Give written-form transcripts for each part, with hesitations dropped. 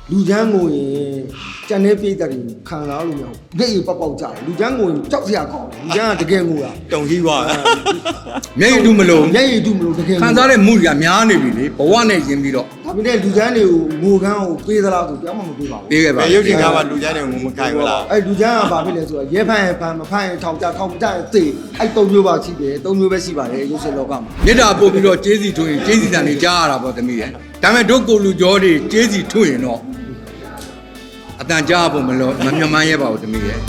လူချမ်းကိုရင်ကြံနေပြိတ္တတွေခံစားလို့မရဘူး။လက်ရပေါက်ပေါက်ကြတယ်။လူချမ်းကိုရင်ကြောက်စရာကောင်းတယ်။လူချမ်းကတကယ်ငိုတာတုံကြီးပါမျက်ရည်တူမလို့။မျက်ရည်တူမလို့တကယ်ခံစားတဲ့မှုတွေကများနေပြီလေဘဝနဲ့ရင်းပြီးတော့ဒါပေမဲ့လူချမ်းတွေကိုငိုကန်းကိုပေးသလားဆိုပြောင်းမှမပေးပါဘူးပေးခဲ့ပါရုပ်ရှင်ကားမှာလူချမ်းတွေကိုမခိုင်ဘူးလား။အဲ့လူချမ်းကဘာဖြစ်လဲဆိုတော့ရဲဖန်ရင်ဖန်မဖန်ရင်ထောင်ကြထောင်ကြရင်သေအဲ့၃မျိုးပါရှိတယ်၃မျိုးပဲရှိပါတယ်ရုပ်ရှင်လောကမှာမြစ်တာပို့ပြီးတော့ကျေးစီထွင်ကျေးစီတန်တွေကြားရတာပေါ့သမီးရဲ့ဒါပေမဲ့တို့ကိုလူကျော်တွေကျေးစီထွင်ရင်တော့အတန်ကြားဖို့မလို့မမြမန်းရဲပါဘူးသမီးရဲ့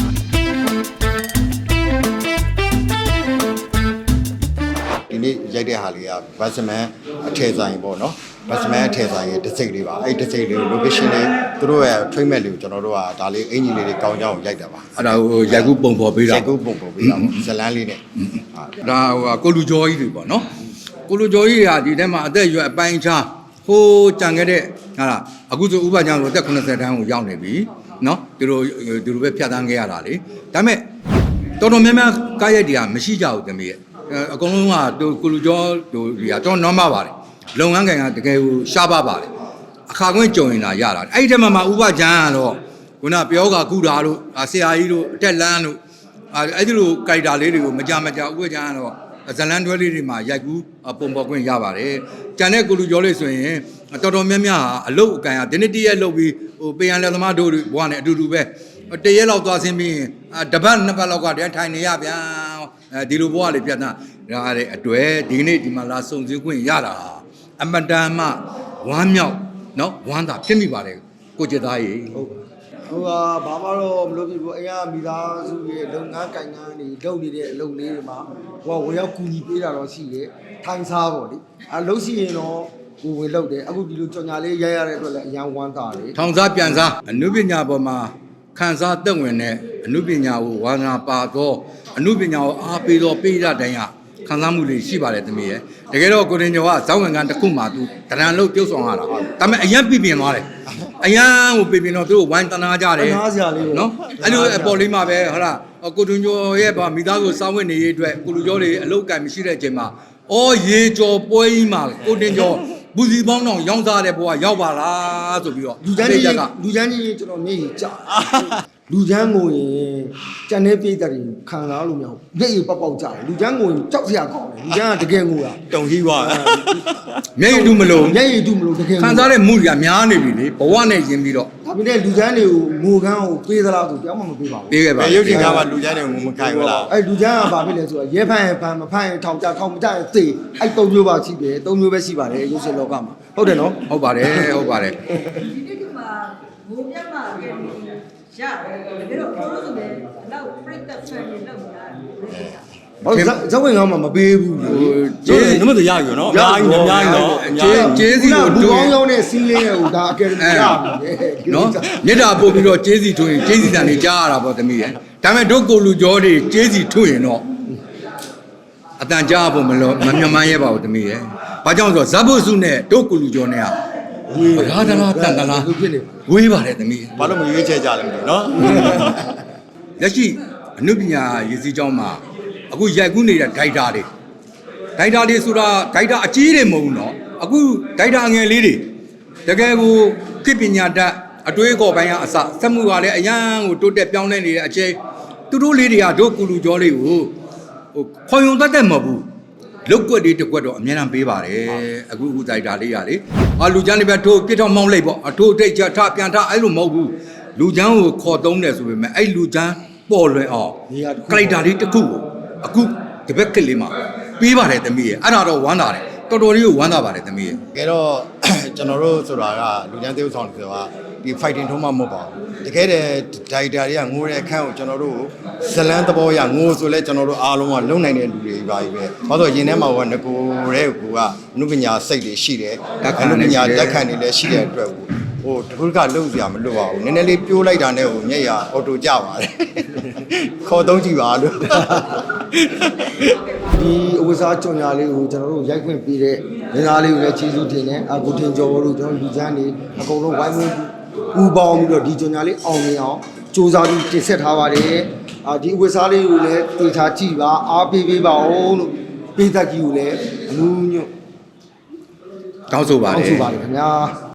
ဒီနေ့ရိုက်တဲ့ဟာလေးကဘတ်စမန်အထည်ဆိုင်ပေါ့နော်ဘတ်စမန်အထည်ဆိုင်ရဲ့တစ်စိတ်လေးပါအဲ့တစ်စိတ်လေးကို location လေးသူတို့ရဲ့ treatment လေးကိုကျွန်တော်တို့ကဒါလေးအင်ဂျင်လေးတွေကောင်းကြောင်းရိုက်တာပါအဲ့ဒါဟိုရိုက်ကူးပုံပေါ်ပေးတာရိုက်ကူးပုံပေါ်ပေးတာပေါ့ဇလန်းလေးနဲ့ဒါဟိုကိုလူကျော်ကြီးတွေပေါ့နော်ကိုလူကျော်ကြီးတွေကဒီထဲမှာအသက်အရွယ်အပိုင်းခြားဟိုကြံခဲ့တဲ့ဟာလားအခုဆိုဥပဒေကြောင့်ဆိုအသက်80တန်းကိုရောက်နေပြီနော်သူတို့ပဲဖြတ်သန်းခဲ့ရတာလေဒါပေမဲ့တော်တော်များများကားရိုက်တွေကမရှိကြဘူးသမီးရဲ့အကုန်လုံးကကိုလူကျော်တို့တွေကတော်တော် normal ပါတယ်လုပ်ငန်းကံကတကယ်ကိုရှားပါပါတယ်အခါကွင်းကြုံရင်လာရတာအဲ့ဒီထဲမှာဥပဒေကြောင့်ကတော့ခုနပြောကကုတာတို့ဆရာကြီးတို့အတက်လန်းတို့အဲ့ဒီလိုကြိုက်တာလေးတွေကိုမကြမကြဥပဒေကြောင့်ကတော့ဇလန်တွဲလေးတွေမှာရိုက်ကူးပုံပေါ်ခွင့်ရပါတယ်။ကြံတဲ့ကိုလူကျော်လေးဆိုရင်တော်တော်များများဟာအလုတ်အကန်ဟာဒီနေ့တရက်လုပ်ပြီးဟိုပေရန်လက်သမားတို့ဘဝနဲ့အတူတူပဲတရက်လောက်သွားဆင်းပြီးတပတ်နှစ်ပတ်လောက်ကတည်းကထိုင်နေရဗျာဒီလိုဘဝလေးပြတ်သားရတဲ့အတွေ့ဒီနေ့ဒီမှာလာစုံစည်းခွင့်ရတာအမတန်မှဝမ်းမြောက်နော်ဝမ်းသာဖြစ်မိပါတယ်ကိုကျသားကြီးဟုတ်ဟိုကဘာမှတော့မလုပ်ပြဘူးအိမ်ကမိသားစုရဲ့လုပ်ငန်းကိုင်ငန်းတွေလုပ်နေတဲ့အလုပ်လေးတွေမှာဟိုကဝင်ရောက်ကူညီပေးတာတော့ရှိတယ်ထိုင်စားပေါ့လေအဲလုပ်ရှိရင်တော့ကိုဝင်လုပ်တယ်အခုဒီလိုကြော်ညာလေးရိုက်ရတဲ့အတွက်လည်းအရန်ဝမ်းသာတယ်ထောင်စားပြန်စားအနုပညာပေါ်မှာခန်းစားသက်ဝင်တဲ့အနုပညာကိုဝါသနာပါသောအနုပညာကိုအားပေးသောပိဋကတိုင်းကခံစားမှုတွေရှိပါတယ်သမီးရဲ့တကယ်တော့ကိုရင်ကျော်ကဇောင်းဝင်ကန်တစ်ခုမှသူတရံလို့ပြုတ်ဆောင်ရတာဒါပေမဲ့အရန်ပြပြင်သွားတယ်အရန်ကိုပြပြင်တော့သူတို့ဝိုင်းတနာကြတယ်နားစရာလေးနော်အဲ့လိုအပေါ်လေးမှာပဲဟုတ်လားကိုတွင်ကျော်ရဲ့ဗာမိသားစုစောင်းဝင်နေရေးအတွက်ကိုလူကျော်တွေအလုတ်ကံမရှိတဲ့အချိန်မှာအော်ရေကျော်ပွဲကြီးမှာကိုတင်ကျော်ဘူစီပေါင်းတော့ရောင်းစားတဲ့ဘဝရောက်ပါလားဆိုပြီးတော့လူချမ်းကြီးကျွန်တော်မျက်ရည်ကျလူချမ်းကိုရင်ကြံနေပြိတ္တတွေခံစားလို့မရဘူးလက်ရပေါက်ပေါက်ကြတယ်လူချမ်းကိုရင်ကြောက်စရာကောင်းတယ်လူချမ်းကတကယ်ငိုတာတုံကြီးပါမျက်ရည်တူမလို့မျက်ရည်တူမလို့တကယ်ခံစားတဲ့မှုတွေကများနေပြီလေဘဝနဲ့ရင်းပြီးတော့ဒါပေမဲ့လူချမ်းတွေကိုငိုကန်းကိုပေးသလားဆိုပြောင်းမှမပေးပါဘူးပေးခဲ့ပါရုပ်ရှင်ကားမှာလူချမ်းတွေကိုမခိုင်ဘူးလားအဲ့လူချမ်းကဘာဖြစ်လဲဆိုတော့ရဲဖန်ရင်ဖန်မဖန်ရင်ထောင်ကြထောင်မကြရင်သေအဲ့၃မျိုးပါရှိတယ်၃မျိုးပဲရှိပါတယ်ရုပ်ရှင်လောကမှာဟုတ်တယ်နော်ဟုတ်ပါတယ်ဟုတ်ပါတယ်ဒီနေ့ဒီမှာဘိုးမြတ်မှာရတယ်တကယ်တော့ကိုလိုဆိုလည်းနောက်ပြတ်သက်ဆွဲနေလောက်နေတာဟုတ်ဇဝင်ကောင်းမှာမပေးဘူးလေကျေးနမတရယူနော်အများကြီးအများကြီးနော်ကျေးစီကိုလူတူကောင်းကောင်းနဲ့စီးလင်းရဲ့ဟိုဒါအကယ်ဒမီရပြီလေနော်မြစ်တာပို့ပြီးတော့ကျေးစီထွင်ကျေးစီတန်တွေကြားရတာပေါ့သမီးရဲ့ဒါပေမဲ့တို့ကိုလူကျော်တွေကျေးစီထွင်ရင်တော့အတန်ကြားဖို့မလို့မမြမန်းရဲပါဘူးသမီးရဲ့ဘာကြောင့်ဆိုတော့ဇဘုစုနဲ့တို့ကိုလူကျော်နဲ့ကရာဒလားတန်တလားလူဖြစ်နေဝေးပါတယ်သမီးဘာလို့မရွေးချယ်ကြလဲမသိဘူးနော်လက်ရှိအနုပညာရည်စည်းကြောင်းမှာအခုရိုက်ကူးနေတဲ့ဒိုက်တာတွေဆိုတာဒိုက်တာအကြီးတွေမဟုတ်ဘူးနော်အခုဒိုက်တာငယ်လေးတွေတကယ်ကိုကိပညာတတ်အတွေးခေါ်ပိုင်းကအစစက်မှုကလည်းအရန်ကိုတိုးတက်ပြောင်းလဲနေတဲ့အချိန်သူတို့လေးတွေကတို့ကူလူကျော်လေးကိုဟိုခွန်ယုံတတ်မဟုတ်ဘူးလုတ်ကွက်တွေတကွက်တော့အများအားပေးပါတယ်အခုဒိုက်တာလေးရလေလူချမ်းတွေပဲထိုးပြစ်တော့မောင်းလိုက်ပေါ့အထိုးတိတ်ချထပြန်ထအဲ့လိုမဟုတ်ဘူးလူချမ်းကိုခေါ်သုံးတယ်ဆိုပေမဲ့အဲ့လူချမ်းပေါ်လွင်အောင်ကလိုက်တာလေးတစ်ခုကိုအခုဒီဘက်ကလေးမှာပေးပါတယ်သမီးရဲ့အဲ့ဒါတော့ဝမ်းသာတယ်တော်တော်လေးကိုဝမ်းသာပါတယ်သမီးရဲ့တကယ်တော့ကျွန်တော်တို့ဆိုတာကလူချမ်းသေးဆောင်တယ်ဆိုတာဒီ fighting ထုံးမှမဟုတ်ပါဘူးတကယ်တဲ့ဒိုက်တာတွေကငိုတဲ့အခန်းကိုကျွန်တော်တို့ဇလန်းသဘောရငိုဆိုလဲကျွန်တော်တို့အားလုံးကလုံနိုင်တဲ့လူတွေပါပြီပဲဘာလို့ရင်ထဲမှာကငကိုတဲ့ကိုကနုပညာစိတ်တွေရှိတယ်နုပညာတက်ခံနေလဲရှိတဲ့အတွက်ဟိုတခုကလုံစရာမလွတ်ပါဘူးနည်းနည်းလေးပြိုးလိုက်တာနဲ့ဟိုမျက်ရအော်တိုကြပါတယ်ခေါ်သုံးကြည့်ပါလို့ဒီအဝစားကြော်ညာလေးကိုကျွန်တော်တို့ရိုက်ခွင့်ပေးတဲ့နေသားလေးကိုလည်းကျေးဇူးတင်တယ်အကိုတင်ကျော်တို့ကျွန်တော်လူချမ်းနေအကုန်လုံးဝိုင်းဝန်းပူပေါင်းပြီးတော့ဒီကြော်ညာလေးအောင်မြင်အောင်စူးစမ်းပြီးတင်ဆက်ထားပါတယ်ဒီအဝစားလေးကိုလည်းတေချာကြည့်ပါအားပေးပါဦးလို့ပေးသက်ကြီးကိုလည်းအမှုညွတ်တောင်းဆိုပါတတောင်းယ်ဆိုပါတယ်ခင်ဗျာ